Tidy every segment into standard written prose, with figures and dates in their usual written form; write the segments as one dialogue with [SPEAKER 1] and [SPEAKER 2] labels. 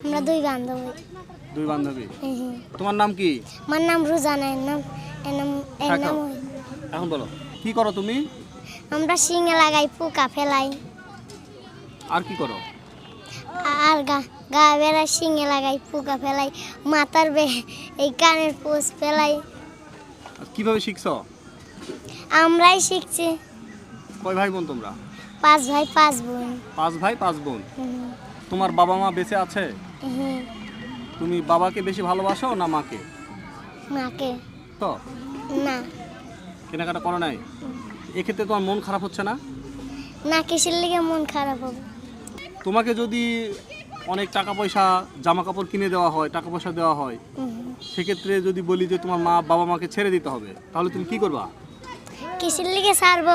[SPEAKER 1] আমরা দুই বান্ধবী।
[SPEAKER 2] তোমার নাম কি?
[SPEAKER 1] আমার নাম রুজানা, এর নাম
[SPEAKER 2] এখন বলো কি করো তুমি?
[SPEAKER 1] আমরা শিঙে লাগাই, পোকা ফেলাই,
[SPEAKER 2] আর কি করো?
[SPEAKER 1] আর গা বেড়ায় শিঙে লাগাই, পোকা ফেলাই, মাথার এই কানের পোষ ফেলাই।
[SPEAKER 2] কিভাবে শিখছো?
[SPEAKER 1] আমরাই শিখছি।
[SPEAKER 2] কয় ভাই বোন তোমরা?
[SPEAKER 1] 5 ভাই 5 বোন।
[SPEAKER 2] 5 ভাই 5 বোন। তোমার বাবা মা বেঁচে আছে? তুমি বাবাকে বেশি ভালোবাসো না মাকে?
[SPEAKER 1] মাকে।
[SPEAKER 2] তো
[SPEAKER 1] না।
[SPEAKER 2] কেনাকাটা করো নাই? এক্ষেত্রে তোমার মন খারাপ হচ্ছে না?
[SPEAKER 1] না, কিসের লিগে মন খারাপ হবে?
[SPEAKER 2] তোমাকে যদি অনেক টাকা পয়সা জামা কাপড় কিনে দেওয়া হয়, টাকা পয়সা দেওয়া হয়, সেক্ষেত্রে যদি বলি যে তোমার মা বাবা মাকে ছেড়ে দিতে হবে, তাহলে তুমি কি করবা?
[SPEAKER 1] কিসের লিগে ছাড়বো?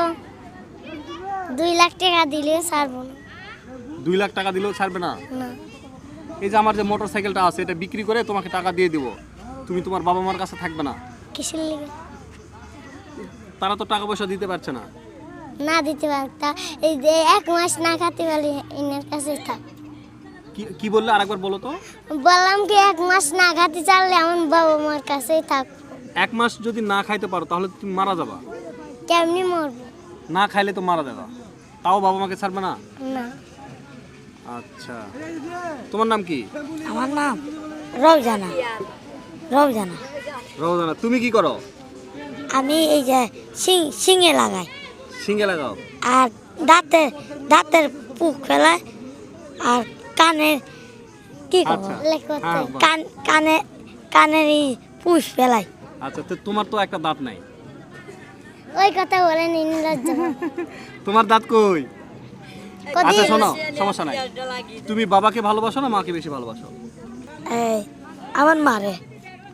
[SPEAKER 1] 2 লাখ টাকা দিলে ছাড়বো না।
[SPEAKER 2] 2 লাখ টাকা দিলেও ছাড়বে না?
[SPEAKER 1] না।
[SPEAKER 2] এই যে আমার যে মোটর সাইকেলটা আছে, এটা বিক্রি করে তোমাকে টাকা দিয়ে দিব, তুমি তোমার বাবা মার কাছে থাকবে না?
[SPEAKER 1] কিসের লিগে?
[SPEAKER 2] তারা তো টাকা পয়সা দিতে পারছে না।
[SPEAKER 1] না দিতে পারতা, এই যে 1 মাস না খাতে পারলে এনার কাছে থাক।
[SPEAKER 2] কি বললে আরেকবার বলো তো?
[SPEAKER 1] বললাম কি 1 মাস না খাতে চাইলে আমার বাবা মার কাছেই থাক।
[SPEAKER 2] 1 মাস যদি না খাইতে পারো তাহলে তুমি মারা যাবা।
[SPEAKER 1] কেমনি মরবো?
[SPEAKER 2] না খাইলে তো মারা যাবা, তাও বাবা মাকে ছাড়বে না?
[SPEAKER 1] না।
[SPEAKER 2] আচ্ছা, তোমার নাম কি?
[SPEAKER 3] আমার নাম রওজানা। রওজানা।
[SPEAKER 2] রওজানা, তুমি কি করো?
[SPEAKER 3] আমি এই যে শিঙে লাগাই,
[SPEAKER 2] সিঙ্গে লাগাও।
[SPEAKER 3] আর দাঁতের পুক ফেলাই, আর কানের কি করবো,
[SPEAKER 2] আচ্ছা। হ্যাঁ,
[SPEAKER 3] কানের এই পুষ ফেলাই।
[SPEAKER 2] আচ্ছা, তো তোমার তো একটা দাঁত নাই।
[SPEAKER 1] ওই কথা বলেন নির্লজ্জ।
[SPEAKER 2] তোমার দাঁত কই?
[SPEAKER 1] কদি-
[SPEAKER 2] আচ্ছা শোনো, সমস্যা নাই। তুমি বাবাকে ভালোবাসো না মাকে বেশি ভালোবাসো?
[SPEAKER 3] এই আমার মারে।